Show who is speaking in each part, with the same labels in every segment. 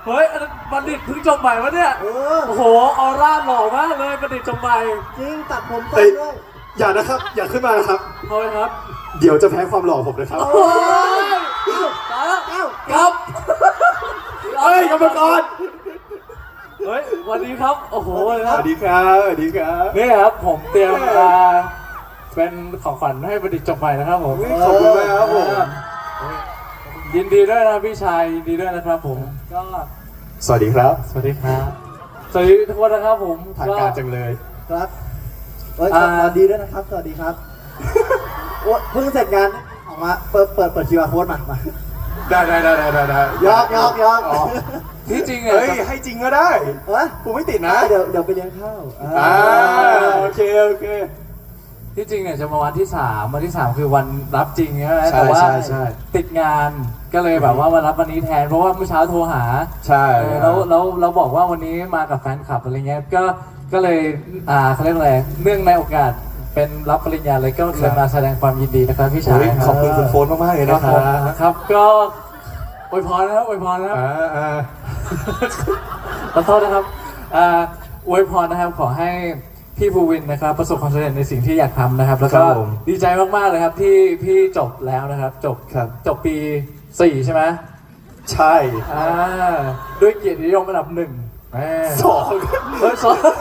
Speaker 1: เฮ้ยบัณฑิตเพิ่งจบใหม่วะเนี่ยโอ้โหออร่าหล่อมากเลยบัณฑิตจบใหม่
Speaker 2: จริงตัดผมต้นด้วย
Speaker 3: อย่านะครับอย่าขึ้นมานะครับ
Speaker 1: ทำไมครับ
Speaker 3: เดี๋ยวจะแพ้ความหล่อผมนะครับ
Speaker 1: โอ้ยตายแล้วครับ
Speaker 3: เฮ้ยกรรมกร
Speaker 1: เฮ้ยวันนี้ครับโอ้โหเลยค
Speaker 3: ส
Speaker 1: รับ
Speaker 3: วัสดีครับสวัสดีครับ
Speaker 1: นี่ครับผมเตรียมเป็นของขวัญให้บัณฑิตจบใหม่นะครับผม
Speaker 3: ขอบคุณมากครับผม
Speaker 1: ยินดีด้วยนะพี่ชายยินดีด้วยนะครับผมก็
Speaker 3: สวัสดีครับ
Speaker 1: สวัสดีครับสวัสดีทุกคนนะครับผม
Speaker 3: ทางการจังเลย
Speaker 2: ครับสวัสดีด้วยนะครับสวัสดีครับโอ้เพิ่งเสร็จงานออกมาเปิดQR Codeมา
Speaker 3: ได้
Speaker 2: ยอก
Speaker 1: ที่จริง
Speaker 3: เฮ้ยให้จริงก็ได้กูไม่ติดนะ
Speaker 2: เดี๋ยวไปเลี้ยงข้าว
Speaker 3: โอเค
Speaker 1: ที่จริงเนี่ยจะมาวันที่3คือวันรับจริงใช่ไหมแต่ว่าติดงานก็เลยแบบว่ามารับวันนี้แทนเพราะว่าเมื่อเช้าโทรหา
Speaker 3: ใช่
Speaker 1: แล้วเราบอกว่าวันนี้มากับแฟนคลับอะไรเงี้ยก็เลยเขาเรียกอะไรเนื่องในโอกาสเป็นรับปริญญาเลยก็เลยมาแสดงความยินดีนะครับพี่ชาย
Speaker 3: ขอบคุณคุณโฟนมากๆเลย
Speaker 1: นะครับก็อวยพรนะครับอวยพรนะครับขอโทษนะครับอวยพรนะครับขอให้พี่ภูวินนะครับประสบความสำเร็จในสิ่งที่อยากทำนะครับแล้วก็ดีใจมากๆเลยครับที่พี่จบแล้วนะครับจบปี4ใช่ไหม
Speaker 3: ใช่
Speaker 1: ด้วยเกียรตินิยมอันดับ1
Speaker 3: 2
Speaker 1: เฮ้ย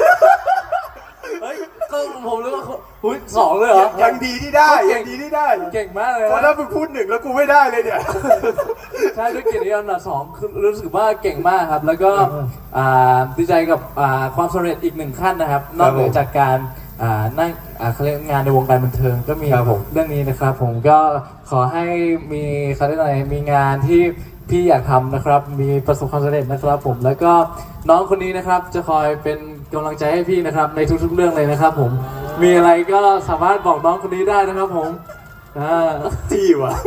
Speaker 1: ก็ผมรู้ว่า2เลยเหรอ
Speaker 3: ยังดีที่ได้ยังดีที่ได้
Speaker 1: เก่งมากเลย
Speaker 3: เพราะถ้ามึงพูด1แล้วกูไม่ได้เลยเนี่ย
Speaker 1: ใช่ด้วยเกียรตินิยมอันดับ2คือรู้สึกว่าเก่งมากครับแล้วก็ดีใจกับความสำเร็จอีก1ขั้นนะครับนอกเหนือจากการนั่งเขาเรียกงานในวงการบันเทิงก็มีเรื่องนี้นะครับผมก็ขอให้มีเขาเรียกอะไรมีงานที่พี่อยากทำนะครับมีประสบความสำเร็จนะครับผมแล้วก็น้องคนนี้นะครับจะคอยเป็นกำลังใจให้พี่นะครับในทุกๆเรื่องเลยนะครับผมมีอะไรก็สามารถบอกน้องคนนี้ได้นะครับผม
Speaker 3: จี้วะ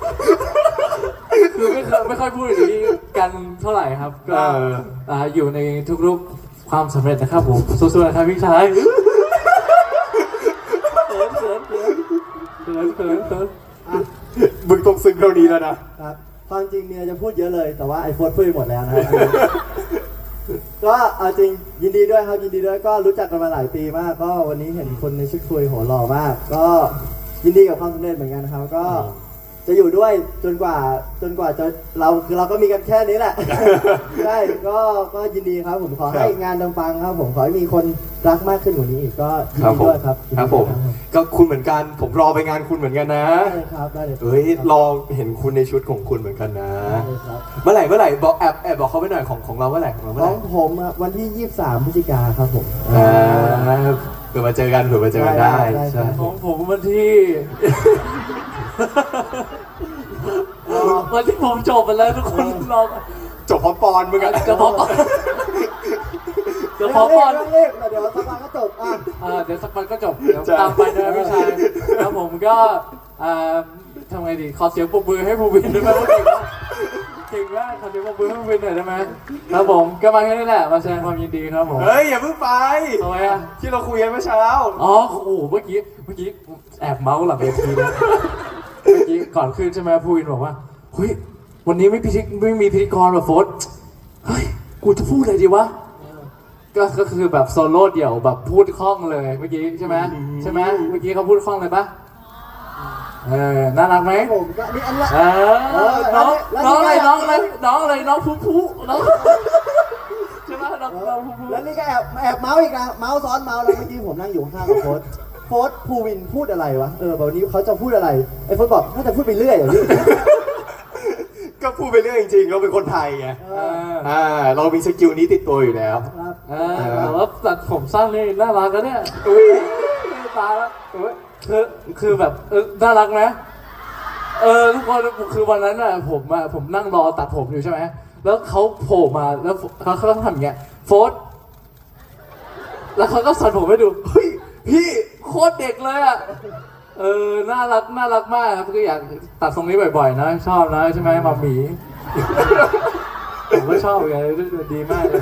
Speaker 1: คือไม่ค่อยพูดอย่างนี้กันเท่าไหร่ครับก็อยู่ในทุกๆความสำเร็จนะครับผมสู้ๆนะครับพี่ชายเขิน
Speaker 3: มึงต้องซึ้งเท่านี้แล้วนะครับ
Speaker 2: ความจริงเมียจะพูดเยอะเลยแต่ว่าไอโฟนพูดหมดแล้วนะครับก็เอาจริงยินดีด้วยครับยินดีด้วยก็รู้จักกันมาหลายปีมากก็วันนี้เห็นคนในชุดคุยโหหล่อมากก็ยินดีกับความสำเร็จเหมือนกันนะครับก็จะอยู่ด้วยจนกว่าจะเราก็มีกันแค่นี้แหละใช่ก็ยินดีครับผมขอให้งานปังๆครับผมขอให้มีคนรักมากขึ้นกว่านี้อีกก็ยินดีด้วยครับ
Speaker 3: ครับผมก็คุณเหมือนกันผมรอไปงานคุณเหมือนกันนะ
Speaker 2: ได้ครับได้เลย
Speaker 3: เฮ้ยรอเห็นคุณในชุดของคุณเหมือนกันนะเมื่อไหร่บอกแอบบอกเขาไปหน่อยของเราเมื่อไหร่ของ
Speaker 2: ผมวันที่23พฤศจิกาครับผม
Speaker 3: เผื่อมาเจอกันได้ใช่
Speaker 1: ของผมวันที่ผมจบไปแล้วทุกคนรอ
Speaker 3: จบพร้อมปอนมึงอะ
Speaker 1: จะพร้อมปอน
Speaker 2: เดี๋ยวสักวันก็จบ
Speaker 1: เดี๋ยวสักวันก็จบเดี๋ยวตามไปนะพี่ชายแล้วผมก็ทำไงดีขอเสียงปรบมือให้ภูวินด้วยไหมเก่งมากขอเสียงปรบมือให้ภูวินหน่อยได้ไหมครับผมก็มาแค่นี้แหละมาแสดงความยินดีครับผม
Speaker 3: เฮ้ยอย่าเพิ่งไป
Speaker 1: ทำไม
Speaker 3: ที่เราคุยกันเมื่อเช้า
Speaker 1: อ๋อโอ้เมื่อกี้แอบเมาส์หลังเวทีนะเมื่อกี้ก่อนขึ้นใช่ไหมภูวินบอกว่าเฮ้ยวันนี้ไม่มีพิธีกรแบบโฟร์เฮ้ยกูจะพูดอะไรดีวะก็คือแบบโซโล่เดี่ยวแบบพูดคล่องเลยเมื่อกี้ใช่ไหมเมื่อกี้เขาพูดคล่องเลยปะน่ารักไหม
Speaker 2: ผมก็นี่อันละ
Speaker 1: น้องอะไรน้องผู้ใช่ไหมน้องผู้
Speaker 2: แล้วนี่ก็แอบเมาส์อีกนะเมาส์ซ้อนเมาส์แล้วเมื่อกี้ผมนั่งอยู่ข้างกับโค้ชภูวินพูดอะไรวะวันนี้เขาจะพูดอะไรไอ้โค้ชบอกน่าจะพูดไปเรื่อยอย่างนี้
Speaker 3: ก็พูดไปเรื่อยจริงๆเราเป็นคนไทยไงเรามีสกิลนี้ติดตัวอยู่แล้ว
Speaker 1: แล้วตัดผมสั้นนี่น่ารักนะเนี่ยตายแล้วคือแบบน่ารักไหมทุกคนคือวันนั้นน่ะผมนั่งรอตัดผมอยู่ใช่ไหมแล้วเขาโผล่มาแล้วเขาต้องทำอย่างเงี้ยโฟร์แล้วเขาก็สั่นผมให้ดูเฮ้ยพี่โคตรเด็กเลยอ่ะน่ารักมากครับก็อยากตัดทรงนี้บ่อยๆนะชอบนะใช่ไหมมาหมีผมก็ชอบไงดีมากเลย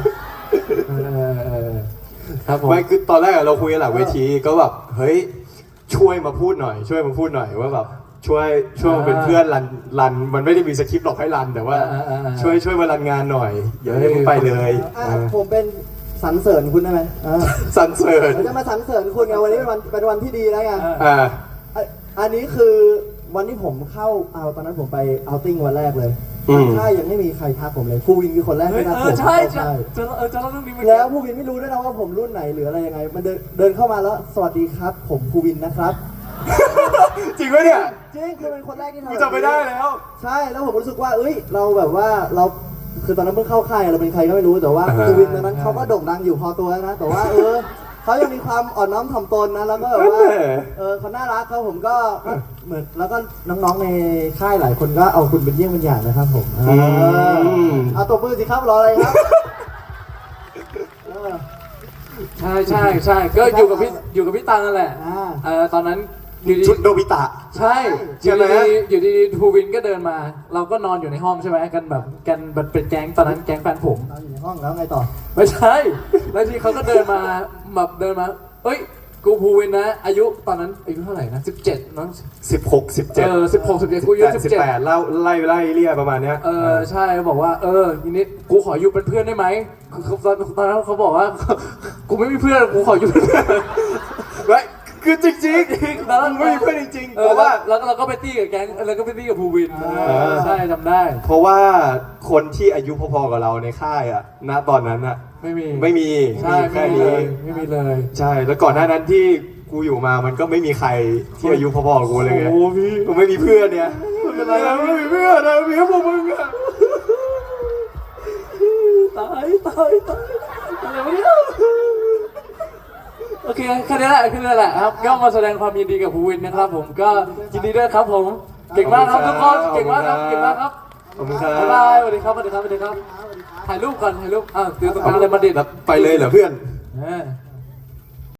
Speaker 1: ครับผม
Speaker 3: ไม่คือตอนแรกเราคุยกันหลังเวทีก็แบบเฮ้ยช่วยมาพูดหน่อยว่าแบบช่วยเป็นเพื่อนรันมันไม่ได้มีสคริปต์หรอกให้รันแต่ว่า ช่วยมารันงานหน่อยอย่าให้มึงไปเลย
Speaker 2: ผมเป็นสรรเสริญคุณได้ไหม
Speaker 3: สรรเสริญ
Speaker 2: เราจะมาสรรเสริญคุณไงวันนี้เป็นวันที่ดีแล้วไง อันนี้คือวันที่ผมเข้าตอนนั้นผมไปเอาติ้งวันแรกเลยใช่ยังไม่มีใครทักผมเลยผู้วินคือคนแรกที่ทักผม
Speaker 1: ใช่จะเล่าเรื่องนี้
Speaker 2: แล้วผู้วินไม่รู้ด้วยนะว่าผมรุ่นไหนหรืออะไรยังไงมันเดินเข้ามาแล้วสวัสดีครับผมผู้วินนะครับ
Speaker 3: จริงไหมเนี่ย
Speaker 2: จริงคือเป็นคนแรกที่ทำ
Speaker 3: กูจำไม่ได้แล้ว
Speaker 2: ใช่แล้วผมรู้สึกว่าเราแบบว่าเราคือตอนนั้นเพิ่งเข้าค่ายเราเป็นใครก็ไม่รู้แต่ว่า
Speaker 3: อ่าฮะ
Speaker 2: ผู้วินตอนนั้นเขาก็โด่งดังอยู่พอตัวนะแต่ว่าเขายังมีความอ่อนน้อมถ่อมตนนะแล้วก็แบบว่าเขาน่ารักครับผมก็เหมือนแล้วก็น้องๆในค่ายหลายคนก็เอาคุณเป็นเยี่ยงเป็นอย่างนะครับผมเอาตัวมือสิครับรออะไรครับ
Speaker 1: ใช่ก็อยู่กับพี่ตังนั่นแหละตอนนั้นอยู่ดี
Speaker 3: ชุดโนบิตะ
Speaker 1: ใช่อยู่ดีทูวินก็เดินมา เราก็นอนอยู่ในห้องใช่ไหมกันเป็นแก๊งตอนนั้นแก๊งแฟนผม
Speaker 2: เราอยู่ในห้องแล้วไงต่อ
Speaker 1: ไม่ใช่แล้วทีเขาก็เดินมาเอ้ยกูภูวินนะอายุตอนนั้นอายุเท่าไหร่นะ17น้อง
Speaker 3: 16 17
Speaker 1: 16 17กูอายุ17
Speaker 3: 18เล่าไล่เรียประมาณเนี้ย
Speaker 1: ใช่บอกว่าทีนี้กูขออยู่เป็นเพื่อนได้ไหมตอนนั้นเขาบอกว่ากูไม่มีเพื่อนกูขออยู่เป็นเพื่อน
Speaker 3: คือจริงๆแล้วไม่มีเพื่อนจริงๆเพราะว่า
Speaker 1: แล้วเราก็ไปตี้กับแก๊งแล้วก็ไปตี้กับภูวินใช่จำได้
Speaker 3: เพราะว่าคนที่อายุพอๆกับเราในค่ายอ่ะณตอนนั้นอ่ะไม่มี
Speaker 1: ใช่
Speaker 3: แค่นี้
Speaker 1: ไม่มีเลย
Speaker 3: ใช่แล้วก่อนหน้านั้นที่กูอยู่มามันก็ไม่มีใครที่อายุพอๆกับกูเลยไง
Speaker 1: โอ้พี่
Speaker 3: กูไม่มีเพื่อนเนี่ยไม่มีเพื่อนนะมีแค่พวกมึงอะ
Speaker 1: ตายอะไรวะเนี่ยโอเคแค่นี้แหละครับก็มาแสดงความยินดีกับภูวินนะครับผมก็ยินดีด้วยครับผมเก่งมากครับทุกคนเก่งมากครับ
Speaker 3: ขอบคุณครับ
Speaker 1: บ๊ายบายสวัสดีครับถ่ายรูปก่อนถ่ายรูปเดี๋ยวตรงกลางเลยมาดิด
Speaker 3: ไปเลยเหรอเพื่อน
Speaker 1: เออ